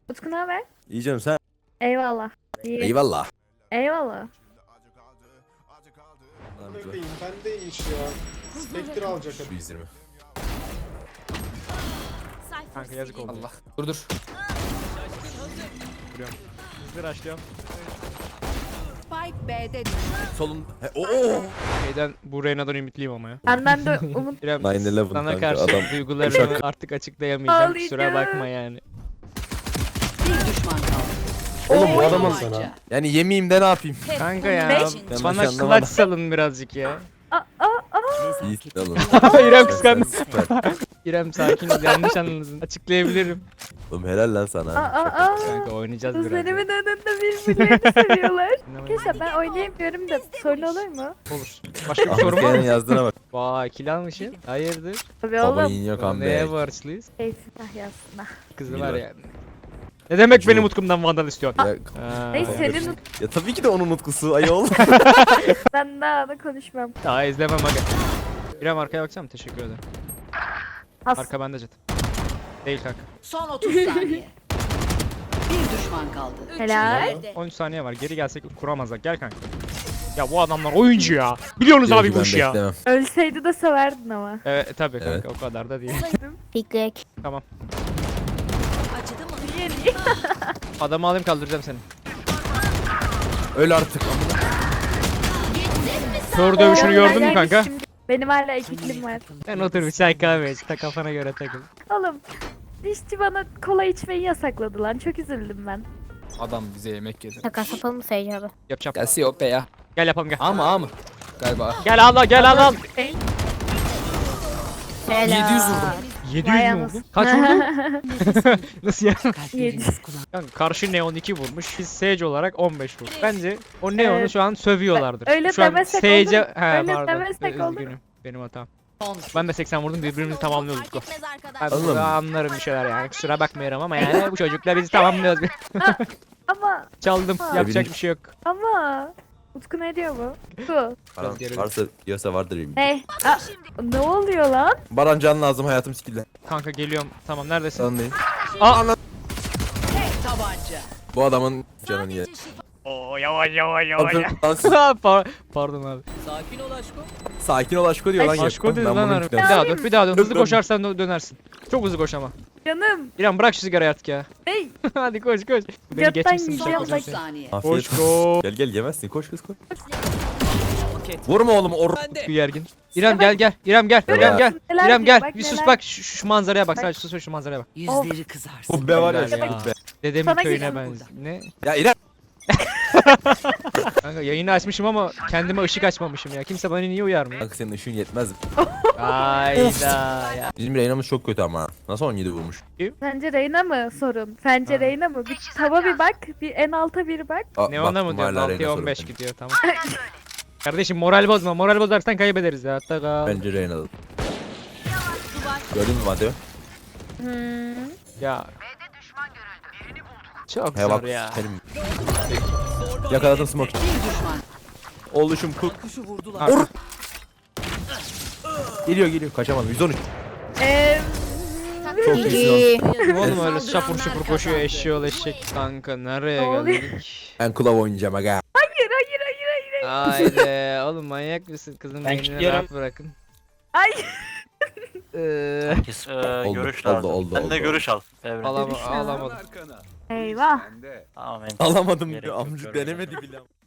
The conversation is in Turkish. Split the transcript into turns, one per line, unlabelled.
Utku ne haber?
İyi canım sen.
Eyvallah. İyi.
Eyvallah.
Eyvallah.
Bebeğim bendeymiş ya. Spectre alacak hadi.
120.
Kanka yazık oldu.
Allah. Dur.
Hızlı rushlıyorum.
Spike B'de düştü.
Solun. Oo.
Şeyden bu Reyna'dan ümitliyim ama ya.
Benden de umut.
İrem
9/11
sana
kanka,
karşı
adam
duygularımı
uşak.
artık açıklayamayacağım. Kusura
Ağlayacağım.
bakma yani.
Bir düşman kaldı.
Oğlum bu
Oy
adamın
tabanca.
yani yemeyeyim de ne yapayım?
Kanka ya
Ne?
Ben
bana
başlandım
kılaç
ama.
salın birazcık ya.
İyi alın.
İrem kıskandı.
Süper.
İrem sakin ol, yanlış anladın. Açıklayabilirim.
Oğlum helal lan sana.
Kanka oynayacağız biraz. ya.
Kızlarımın önünde birbirlerini seviyorlar. Arkadaşlar ben oynayamıyorum da sorun olur mu?
Olur. Başka bir
Ahmet
sorun var
Kaya'nın
mı?
yazdığına bak.
Vay kill almışsın. Hayırdır?
Tabii
Baba
oğlum.
yiyin yok
Neye
ambe.
borçluyuz?
Keyfin ahyasına.
Kızı var
Bilmiyorum.
yani. Ne demek
Cu.
benim utkumdan vandal istiyorsun?
Ya,
Ha.
Neyse senin
ya tabii ki de onun utkusu ayol.
ben daha da konuşmam.
Daha izlemem aga. İrem arkaya baksana teşekkür ederim.
Has.
Arka bende jet. Değil kanka.
Son 30 saniye. Bir düşman kaldı.
Helal.
13 saniye var. Geri gelsek kuramazlar. Gel kanka. Ya bu adamlar oyuncu ya. Biliyorsunuz abi bu
Ben
işi ya.
beklemem.
Ölseydi de severdin ama.
Evet tabii kanka
Evet.
o kadar da değil.
Piklek.
Tamam.
Acıdı mı?
Adamı alayım kaldıracağım seni.
Öl artık.
Kör dövüşünü gördün mü kanka?
Benim hala ekiklim var.
Sen otur bir çay kahve iç. Ta kafana göre takıl.
Oğlum dişçi bana kola içmeyi yasakladı lan. Çok üzüldüm ben.
Adam bize yemek yedi.
Takas yapalım mı Sage abi?
Yapacağım.
Gelsi yok be ya.
Gel yapalım gel.
Ama. Galiba.
Gel al gel al.
700 vurdum.
700
Vay
mü
anasını.
vurdun? Kaç vurdun? Nasıl ya?
Yedi.
Kanka karşı Neon 2 vurmuş. Biz Sage olarak 15 vurduk. Bence o Neon'u
Evet.
şu an sövüyorlardır.
Öyle
şu an
demesek
Sage'e...
olur.
He
Öyle
pardon.
demesek olur.
Üzgünüm. Benim hatam.
Son.
Ben de 80 vurdum birbirimizi tamamlıyorduk. Ben
Oğlum.
burada anlarım bir şeyler yani kusura bakmıyorum ama yani bu çocukla bizi tamamlıyoruz.
Ama
Çaldım yapacak
Bilmiyorum.
bir şey yok.
ama Utku ne diyor bu? Utku.
Baran,
geri
varsa diyorsa vardır benim.
Hey. Ne oluyor lan?
Baran can lazım hayatım sikildi.
Kanka geliyorum tamam neredesin?
Sen değil.
Aa!
Tek tabanca.
Bu adamın canını ye.
Oo yavaş yavaş Pardon abi.
Sakin ol aşko diyor lan.
Aşko dedi
Ben
lan
bunu
harbi. Bir
yüklemem.
daha dur bir daha dön. Hızlı
Dön.
koşarsan dönersin. Çok hızlı koş ama.
Canım.
İrem bırak şu sigarayı artık ya.
Hey.
Hadi koş koş. Beni
Götten
geçmişsin
yiyeceğim
çok
Son
uzun
30
süre.
saniye.
Afiyet
Koş
olsun.
koş.
Gel gel yemezsin koş kız koş. Vurma oğlum
Bir gergin. İrem gel gel. İrem gel.
Neler-
İrem gel.
neler
İrem
diyor,
gel.
bak
Bir sus
neler.
bak şu manzaraya bak. Sadece sus şu manzaraya bak.
Yüzleri kızarsın.
Kubbe var ya
Helal
şu
ya.
kubbe.
Dedemin
Sana
köyüne
geliyorum
benziyor. Ne?
Ya İrem.
Kanka yayını açmışım ama kendime ışık açmamışım ya. Kimse bana niye uyarmıyor?
Kanka senin ışığın yetmez.
Hayda ya.
Bizim Reyna'mız çok kötü ama. Nasıl 17 vurmuş?
Sence Reyna mı sorun? Sence
Ha.
Reyna mı? Bir tava bir bak. Bir en alta bir bak.
Ne ona mı
baktım
diyorsun?
hala
6'ya
Reyna
15
sorun.
gidiyor tamam. Kardeşim moral bozma. Moral bozarsan kaybederiz ya. Hatta kal.
Bence Reyna'da. Gördün mü Madeo?
Ya. Çok
He
zor
bak
ya.
benim. Yakaladım smoke.
Bir düşman.
Oluşum kul.
Kuşu vurdular.
Or. Geliyor kaçamadım 113. Çok iyisin.
Oğlum öyle şapur şupur koşuyor eşeği eşek. Kanka nereye
Ne oluyor?
geldik?
Ben kulav oynayacağım aga.
Hayır.
Haydi oğlum manyak mısın kızın
Ben
beynini
kilitliyorum.
rahat bırakın.
Ay.
Herkes görüş
oldu,
lazım.
oldu,
Ben de
oldu.
görüş al. Evren.
Alamadım.
Eyvah.
Tamam,
Alamadım
Gerek
diyor
yok,
amcık
görmedim.
denemedi bile.